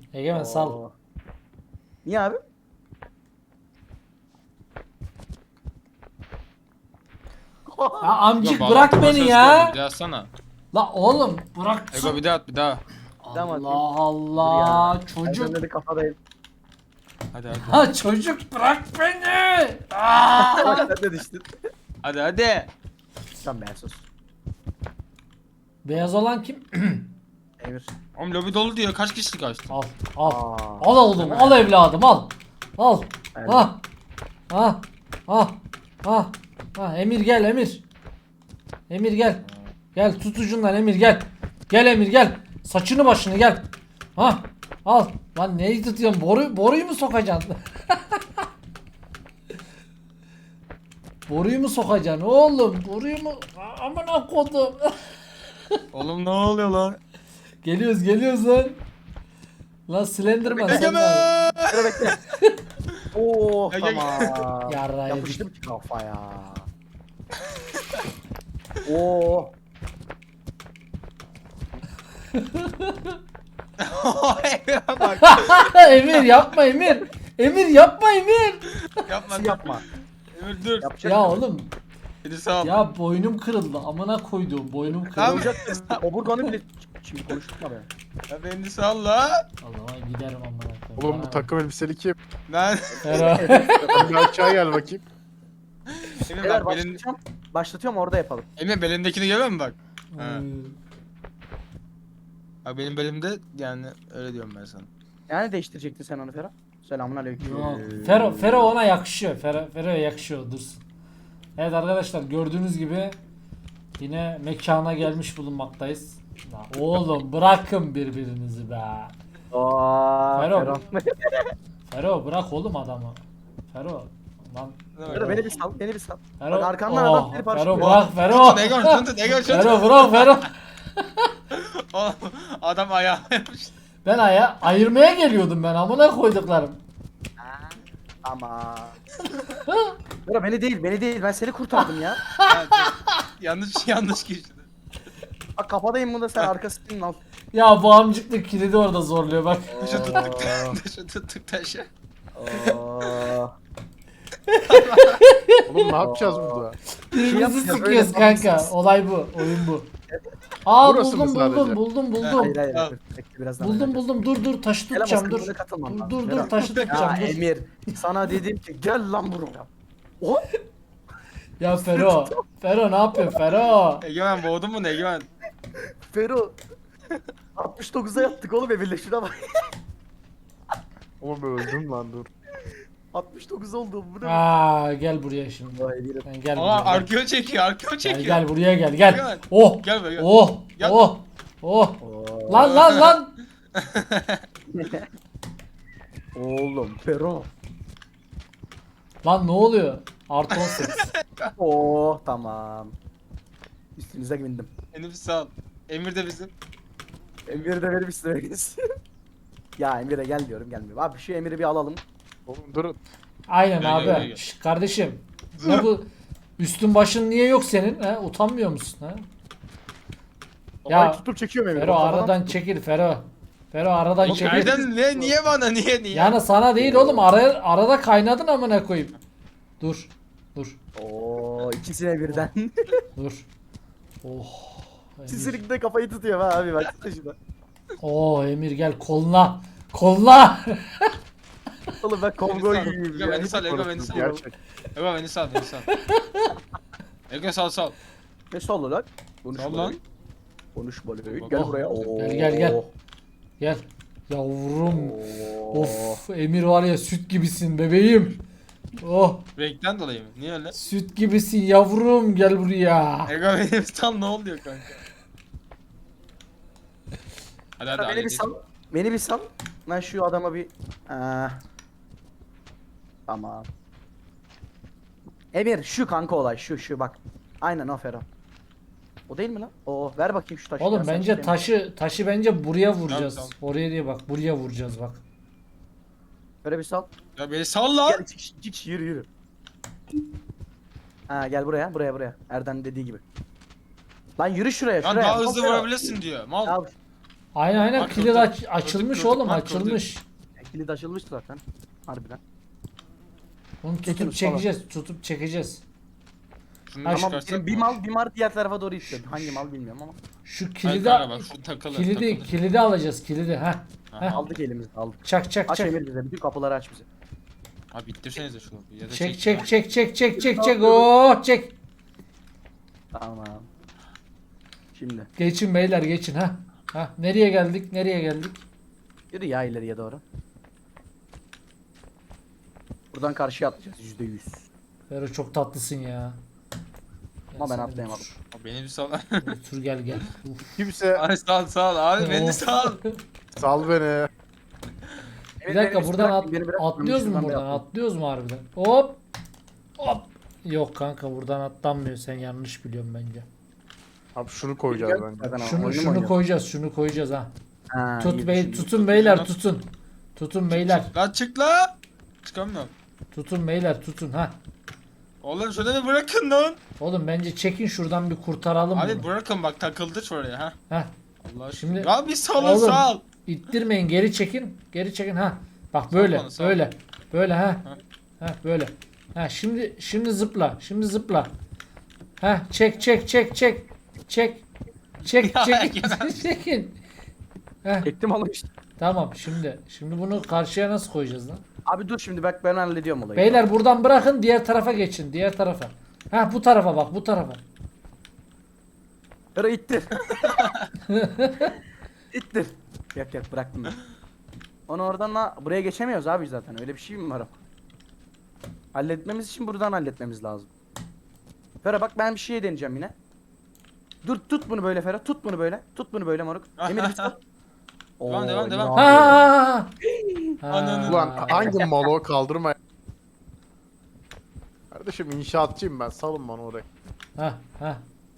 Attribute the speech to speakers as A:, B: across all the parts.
A: Egemen sal.
B: Oo. Niye abi?
A: Ya amcık
C: Ego,
A: bırak
C: bağlantı
A: beni
C: başarısı
A: ya.
C: gördüm, bir daha atsana.
A: La oğlum bırak.
C: Ego bir daha at bir daha.
B: Tamam,
A: Allah
B: atayım.
A: Allah
B: Dur ya.
A: çocuk.
B: Ben de kafadayım.
C: Hadi hadi.
A: Ha çocuk bırak beni. Aa!
B: Sen de düştün.
C: Hadi hadi.
B: Tamam ben sus.
A: Beyaz olan kim?
B: Emir.
C: Oğlum lobi dolu diyor, kaç kişilik açtın?
A: Al al.
B: Aa.
A: Al oğlum al evladım al. Al.
B: Evet.
A: Ha. Ha. Ha. Ha. Ha Emir gel Emir. Emir gel. Gel tut ucundan Emir gel. Gel Emir gel. Saçını başını gel. Ha. Al. Lan neyi tutuyorsun? Boruyu mu sokacaksın? Boruyu mu sokacaksın oğlum? Boruyu mu? Amına kodum.
C: Oğlum ne oluyor lan?
A: Geliyoruz lan. Lan Slenderman sen de.
C: Egemen!
B: Dur bekle. Oo
C: Ege-
B: tamam.
A: Yarrağı
B: Yapıştım ki kafaya. Oo.
C: Egemen bak.
A: Emir yapma Emir. Emir yapma Emir.
C: Yapma.
B: Yapma.
C: Emir dur.
B: Yapacak
A: Ya
B: mısın?
A: oğlum.
C: Beni sağ ol.
A: Ya boynum kırıldı. Amına koyduğum boynum kırıldı.
C: Abi.
B: Olacak mısın? Oburganı bile şimdi konuşturma be.
C: Ya beni sal la.
A: Allah'a giderim amına koyayım.
D: Oğlum bu
A: Bana
D: takım elbiseli kim?
C: Lan.
A: bak.
D: Bir aşağı gel bakayım.
C: Emir
B: Beyler
C: bak belin...
B: başlatıyorum orada yapalım.
C: Emir belindekini görüyor musun bak? Ha.
A: Hmm.
C: Bak benim belimde yani öyle diyorum ben sana.
B: Yani değiştirecektin sen onu Ferhat. Selamun aleyküm.
A: Yok. Fero ona yakışıyor. Fero'ya yakışıyor. Dursun. Evet arkadaşlar gördüğünüz gibi yine mekana gelmiş bulunmaktayız. Lan oğlum bırakın birbirinizi be.
B: Aa,
A: Ferhat.
B: Ferhat.
A: Fero bırak oğlum adamı. Fero. Lan
B: Ferhat beni bir sal, beni bir sal.
A: Fero.
B: Bak arkamdan
A: Oh,
B: adam beni
A: Fero
B: parçalıyor.
A: bırak Fero.
C: Tutun Egon tutun Egon tutun.
A: Fero bırak Fero.
C: Oğlum, adam ayağına yapmış.
A: Ben ayırmaya geliyordum ben amına koyduklarım.
B: Ama. Ferhat beni değil ben seni kurtardım ya.
C: Ya, yanlış kişi.
B: Bak kafadayım bunda sen arkasını al.
A: Ya bu amcıklık kilidi orada zorluyor bak.
C: Taşı tuttuk taşı tuttuk taşı.
B: Oo.
D: Oğlum ne yapacağız burada?
A: Birbirimizi
B: yapacağız,
A: sıkıyoruz
B: öyle
A: kanka.
B: yapmışsınız.
A: Olay bu. Oyun bu. Aa
D: Burası mı sadece?
A: buldum.
B: Hayır hayır.
C: Tamam.
B: Bekle, birazdan
A: Buldum
B: oynayacağız.
A: dur taşı
B: Gel ama
A: tutacağım
B: sen
A: dur.
B: buna katılman lazım,
A: Dur
B: Ferhat.
A: taşı tutacağım
B: Ya
A: dur.
B: Emir sana dedim ki gel lan buraya. O
A: Ya Fero ne yapıyorsun Fero?
C: Egemen boğdun mu ne Egemen?
B: Fero 69'a yattık oğlum Emir'le şuna bak.
D: Oğlum öldüm lan dur.
B: 69 oldu bu ne?
A: Aa gel buraya şimdi.
B: Vay Emir'im.
A: Sen gel
C: Aa
A: buraya.
C: arkeo çekiyor arkeo çekiyor.
A: Gel buraya gel.
C: Gel.
A: Oh.
C: Gel buraya, gel.
A: Oh.
C: Gel.
A: Oh. Oh.
B: Oo.
A: Lan.
B: Oğlum Fero.
A: Lan ne oluyor? Artı 18.
B: Oo tamam. Üstünüze bindim.
C: Emir sağ ol. Emir de bizim.
B: Emir de benim üstüme gelsin. Ya Emir'e gel diyorum gelmiyor. Abi şu Emir'i bir alalım.
D: Oğlum durun.
A: Aynen
C: Gel,
A: abi.
C: gel.
A: Şş, kardeşim. Ne bu? Üstün başın niye yok senin? He? Utanmıyor musun? He? Ya,
D: Ya tutup çekiyorum Emir.
A: Fero
D: Kafadan
A: aradan
D: tut.
A: çekil Fero. Fero aradan
C: Oğlum
A: çekil.
C: nereden niye bana niye?
A: Yani sana değil oğlum arada kaynadın amına koyayım. Dur.
B: Oo ikisine birden.
A: Dur. Oh. Emir.
B: İkisinin de kafayı tutuyor ha abi bak şuna.
A: Oo Emir gel koluna. Koluna.
B: Oğlum ben Kongo
C: Beni sal,
B: gibiyim
C: Ego,
B: ya.
C: beni sal, Ego, beni sal.
D: Gerçek.
C: Ego beni sal. Ego sal.
B: Ne solu lan? Konuşma
C: Sal lan.
B: lan. Konuşma lan.
C: Bak,
B: Gel
A: oh.
B: buraya. Oo.
A: Gel. Gel. Yavrum.
B: Oo.
A: Of Emir var ya süt gibisin bebeğim. Oh
C: Renkten dolayı mı? Niye öyle?
A: süt gibisin yavrum gel buraya.
C: Ego benim sal ne oluyor kanka? Hadi
B: Beni bir
C: hadi.
B: sal. Beni bir sal. Ben şu adama bir... Tamam. Emir şu kanka olay şu bak. Aynen o Ferhat. O değil mi lan? O ver bakayım şu taşı.
A: Oğlum
B: ya, sen
A: bence
B: işte-
A: taşı bence buraya vuracağız.
C: Tamam.
A: Oraya diye bak buraya vuracağız bak.
B: Böyle bir sal.
C: Ya beni sal lan.
B: Gel çık yürü. Ha gel buraya. Erdem dediği gibi. Lan yürü şuraya
C: Lan
B: şuraya.
C: daha hızlı
B: Ferhat.
C: vurabilirsin diyor. Mal.
B: Ya,
A: Aynen
C: Bak,
A: kilit
C: kırdık,
A: açılmış
C: kırdık,
A: oğlum,
C: bak,
A: açılmış.
B: Kilit açılmış zaten. Harbiden.
A: Bunu tutup
B: Çekiniz,
A: çekeceğiz, tutup çekeceğiz.
C: Şunu
A: Ha,
B: Ama
C: çıkarsak
B: benim
C: mı?
B: bir mal diğer tarafa doğru istiyor. Hangi mal bilmiyorum ama.
A: Şu
C: Hayır
A: kilidi
C: kanka bak şu takılır takılır.
A: kilidi alacağız, kilidi. Ha.
C: Aha.
B: Aldık elimizde aldık.
A: Çak çak
B: Aç
A: çak.
B: Emir bize. Bütün kapıları aç bize.
C: Abi ittirsenize şu kapıyı. Ya da
A: Çek
C: çek.
A: çek çek çek çek çek çek. Oh çek.
B: Tamam. Şimdi.
A: Geçin beyler geçin ha. Ha nereye geldik? Nereye geldik?
B: Yürü ya ileriye doğru. Buradan karşıya atlayacağız %100.
A: Fero çok tatlısın ya.
B: Ama ben
A: Gel
B: atlayamadım.
C: Abi beni bir sal.
A: sen de Otur gel gel. Uf.
D: Kimse
C: Abi sal abi beni
A: Of.
C: sal.
D: sal beni.
A: Bir dakika buradan atlıyoruz mu
B: Şuradan
A: buradan?
B: yapalım.
A: Atlıyoruz mu harbiden? Hop. Hop. Yok kanka buradan atlanmıyor. Sen yanlış biliyorsun bence.
D: Abi şunu koyacağız bence.
B: Zaten
A: Şunu
B: oyunu mu
A: şunu
B: oynuyoruz?
A: koyacağız. Şunu koyacağız ha.
B: Ha,
A: Tut
B: iyi
A: bey
B: düşündün.
A: tutun beyler tutun. Tutun beyler.
C: Lan çık la. Çıkamıyorum.
A: Tutun beyler tutun ha.
C: Oğlum şöyle bir bırakın lan.
A: Oğlum bence çekin şuradan bir kurtaralım
C: Abi
A: bunu.
C: bırakın bak takıldı şuraya ha.
A: Heh.
C: Allah aşkına.
A: Şimdi-
C: Ya bir salın
A: Oğlum.
C: sal.
A: İttirmeyin geri çekin. Geri çekin ha. Bak böyle
C: bana, sal.
A: böyle. Böyle ha.
C: Ha.
A: Ha böyle. Ha şimdi zıpla. Şimdi zıpla. Ha çek çek çek çek. Çek. Çek
C: Ya,
A: çek.
C: Egemen.
A: Çekin. Heh,
B: Çektim oğlum işte.
A: tamam şimdi bunu karşıya nasıl koyacağız lan?
B: Abi dur şimdi bak ben hallediyorum olayı.
A: Beyler buradan bırakın diğer tarafa geçin. Diğer tarafa. Ha bu tarafa bak bu tarafa.
B: Yürü ittir. İttir. Yak bıraktım ben. Onu oradan buraya geçemiyoruz abi zaten. Öyle bir şey mi var? Halletmemiz için buradan halletmemiz lazım. Ferhat bak ben bir şey deneyeceğim yine. Dur tut bunu böyle Ferhat. Tut bunu böyle. Tut bunu böyle moruk. Emir bir tut.
C: Devam, devam,
B: Oo,
C: devam.
B: ne
A: Ha.
B: yapıyor?
A: Ha.
D: Ulan hangi malo kaldırma. Kardeşim inşaatçıyım ben. Salın bana oraya.
A: Ha ha.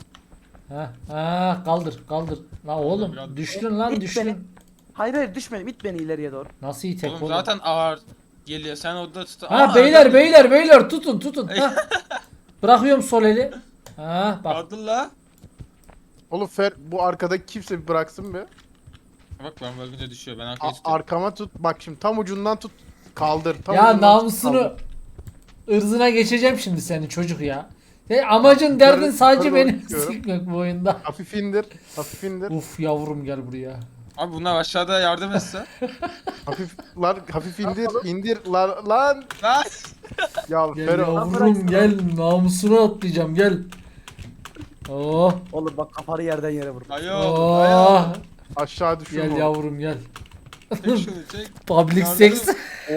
A: Ha kaldır kaldır. La oğlum
C: Biraz-
A: düştün lan
B: İt
A: düştün.
B: beni. Hayır düşmedim. İt beni ileriye doğru.
A: Nasıl itek
C: Oğlum
A: oğlum?
C: zaten ağır geliyor. Sen orada tut.
A: Ha
C: Aa,
A: beyler
C: arada-
A: beyler tutun. Ha. Bırakıyorum sol eli. Ha bak.
C: Kaldır la.
D: Oğlum Fer bu arkadaki kimse bir bıraksın bir.
C: Bak ben bakınca düşüyor. Ben arkaya tutuyorum.
D: Arkama tut. Bak şimdi tam ucundan tut. Kaldır. Tam
A: Ya
D: ucundan tut,
A: namusunu
D: kaldır.
A: ırzına geçeceğim şimdi senin çocuk ya. Amacın derdin
D: yukarı
A: sadece
D: doğru
A: beni
D: tutuyorum.
A: sikmek bu oyunda.
D: Hafif indir. Hafif indir.
A: Uf yavrum gel buraya.
C: Abi bunlar aşağıda yardım etse.
D: Hafif indir. İndir lan. Lan.
C: Lan.
D: Ya
A: Gel
D: Fero.
A: yavrum
B: bıraksın
A: gel namusunu atlayacağım gel. Oh
B: Oğlum bak kafanı yerden yere vur.
C: Ayol.
A: oh
C: Ayol.
D: Aşağı düşürme.
A: gel yavrum gel.
C: Çek şunu çek.
A: Public
C: Yardım-
A: sex.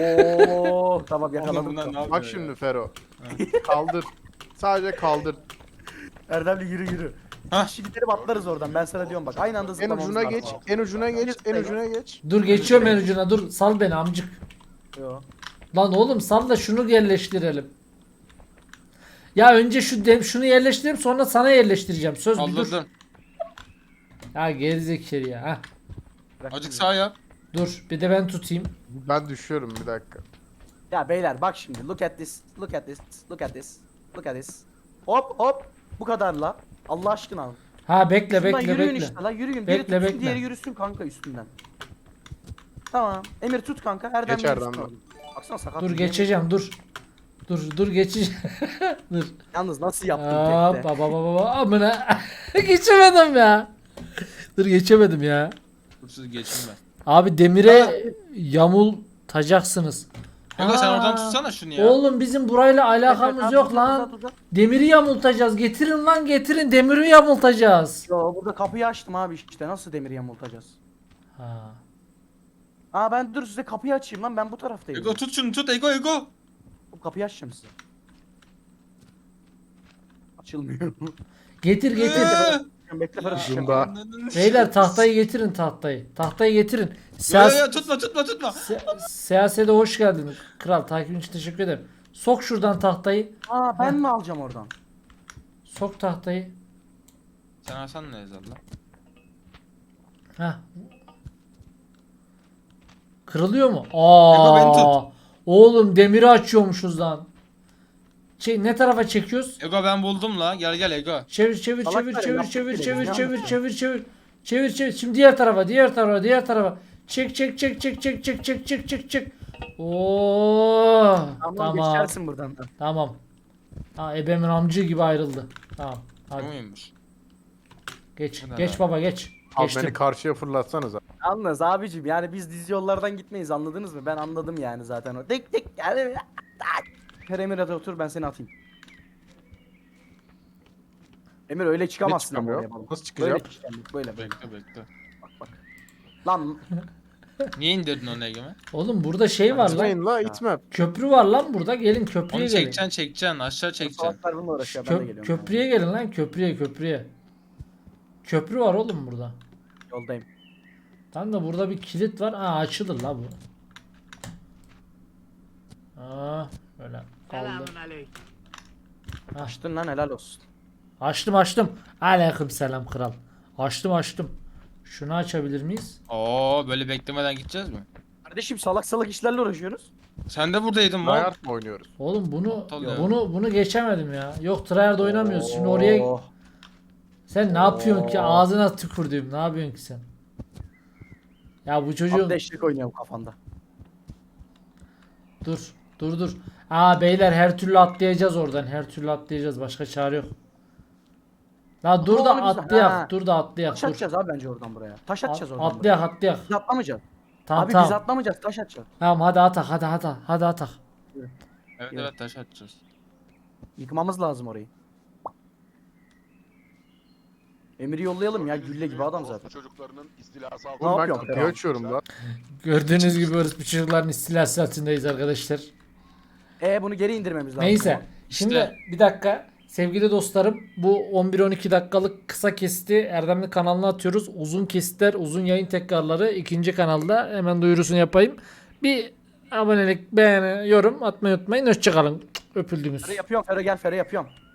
B: Oo tamam
C: Oğlum
B: yakaladım.
C: bunlar ne yapıyor
D: Bak
C: ya?
D: şimdi Fero. Kaldır. Sadece kaldır.
B: Erdemli yürü.
C: Hah.
B: Şimdi gidelim atlarız oradan. Ben sana diyorum bak. Aynı anda
D: En
B: zıplamamız
D: ucuna
B: lazım.
D: geç. En ucuna geç. En ucuna geç.
A: Dur geçiyorum en ucuna dur sal beni amcık.
B: Yo.
A: Lan oğlum sal da şunu yerleştirelim. Ya önce şunu yerleştireyim sonra sana yerleştireceğim. Söz bir dur.
C: Kaldırdım.
A: Ha gerizekalı ya. Ha.
B: Bırak
C: Acık
B: şimdi.
C: sağ yap.
A: Dur bir de ben tutayım.
D: Ben düşüyorum bir dakika.
B: Ya beyler bak şimdi. Look at this. Look at this. Look at this. Look at this. Hop hop. Bu kadar la. Allah aşkına.
A: Ha bekle
B: Şundan
A: bekle
B: yürüyün
A: bekle.
B: işte la. Yürüyün.
A: Bekle,
B: Biri tutsun
A: bekle.
B: diğeri yürüsün kanka üstünden. Tamam. Emir tut kanka. Erdem
D: Geç
B: de
D: Erdem
B: yürüsün
D: de.
B: oğlum. Baksana sakat.
A: Dur
B: bir
A: geçeceğim dur. Dur geçeceğim. Dur.
B: yemin- Yalnız nasıl yaptın
A: Aa,
B: tekte?
A: baba amına. Geçemedim ya. Dur geçemedim ya.
C: Kursuz geçin ben.
A: Abi demire yamultacaksınız.
C: Ego sen
A: Aa,
C: oradan tutsana şunu ya.
A: Oğlum bizim burayla alakamız
B: Abi,
A: yok
B: uzat,
A: lan.
B: uzat, uzat.
A: Demiri yamultacağız. Getirin lan getirin. Demiri yamultacağız.
B: Yo burada kapıyı açtım abi işte. Nasıl demiri yamultacağız?
A: Ha.
B: Aa ben dur size kapıyı açayım lan. Ben bu taraftayım.
C: Ego tut şunu tut Ego.
B: Bu kapıyı açacağım size. Açılmıyor.
A: Getir getir.
B: Bekle Ferhat.
D: Şunda.
A: Beyler tahtayı getirin tahtayı. Tahtayı getirin.
C: Ya tutma.
A: Siyasete hoş geldin. Kral takibin için teşekkür ederim. Sok şuradan tahtayı.
B: Aa ben mi alacağım oradan?
A: Sok tahtayı.
C: Sen alsan ne yazar lan?
A: Heh. Kırılıyor mu?
C: Ego, beni
A: Aa. Oğlum demiri açıyormuşuz lan. Ne tarafa çekiyoruz?
C: Ego ben buldum la. Gel Ego.
A: Çevir
B: Salaklar ya, yaptık bile,
A: çevir.
B: yanlış
A: Çevir çevir. Şimdi diğer tarafa, diğer tarafa, diğer tarafa. Çek çek çek çek çek çek çek çek çek çek. Oo.
B: Tamam,
A: Tamam.
B: geçersin buradan.
A: Tamam. Ha, ebemin amcı gibi ayrıldı. Tamam.
C: Bu
A: Hadi
C: muymuş?
A: geç.
C: Bu ne
A: Geç
C: lan?
A: baba geç.
D: Abi
A: Geçtim.
D: beni karşıya fırlatsanız abi.
B: Yalnız abicim yani biz dizi yollardan gitmeyiz, anladınız mı? Ben anladım yani zaten o. Dik dik yani. Emir hadi otur, ben seni atayım. Emir öyle
D: Ne
B: çıkamazsın ama
D: çıkamıyor?
B: oraya baba.
D: Nasıl
B: Böyle
D: çıkacağım?
B: çıkamıyor, böyle böyle.
C: Bekle bekle.
B: Bak bak. Lan
C: Niye indirdin onu Egemen?
A: Oğlum burada şey var lan.
D: İtmeyin la itme.
A: Köprü var lan burada. Gelin köprüye
C: Onu
A: gelin.
C: çekeceksin aşağı çekeceksin.
B: salaklar bununla uğraşıyor, ben de geliyorum.
A: Köprüye gelin lan, köprüye köprüye. Köprü var oğlum burada.
B: Yoldayım.
A: Tam da burada bir kilit var. Aa, açılır la bu. Aa, böyle kaldı.
B: Açtın lan, helal olsun.
A: Açtım açtım. Aleyküm selam kral. Açtım açtım. Şunu açabilir miyiz?
C: Oo böyle beklemeden gideceğiz mi?
B: Kardeşim salak salak işlerle uğraşıyoruz.
C: Sen de buradaydın mı?
D: Bayart mı oynuyoruz?
A: Oğlum bunu
C: Aptal ya.
A: bunu geçemedim ya. Yok tryhard oynamıyoruz. Şimdi oraya
B: Oh.
A: sen ne yapıyorsun ki?
B: Oo.
A: Ağzına tükürdüğüm. Ne yapıyorsun ki sen? Ya bu çocuğun
B: Abdeşlik oynuyorum kafanda.
A: dur. Dur dur. Aa beyler her türlü atlayacağız oradan. Her türlü atlayacağız. Başka çare yok. La dur da
B: Onu biz-
A: atlayak.
B: Ha.
A: Dur da atlayak.
B: Taş
A: Dur.
B: atacağız abi bence oradan buraya. Taş atacağız oradan
A: Atlayak
B: buraya.
A: atlayak.
B: Biz atlamayacağız.
A: Tamam
B: abi
A: tamam.
B: biz atlamayacağız, taş atacağız.
A: Tamam hadi atak hadi atak.
C: Evet evet taş atacağız.
B: Yıkmamız lazım orayı. Emir'i yollayalım ya, gülle gibi adam zaten.
E: Çocuklarının istilası
B: Ne
D: Oğlum ben
B: yapıyorsun
D: kapıyı
B: Ferhat?
D: açıyorum la.
A: Gördüğünüz gibi bu çocukların istilası altındayız arkadaşlar.
B: Bunu geri indirmemiz lazım.
A: Neyse.
B: Tamam.
A: Şimdi
C: İşte.
A: bir dakika. Sevgili dostlarım, bu 11-12 dakikalık kısa kesti Erdemli kanalına atıyoruz. Uzun kesitler, uzun yayın tekrarları ikinci kanalda. Hemen duyurusunu yapayım. Bir abonelik, beğeni, yorum atmayı unutmayın. Hoşçakalın. Öpüldünüz.
B: Fere yapıyorum, Fere gel, Fere yapıyorum.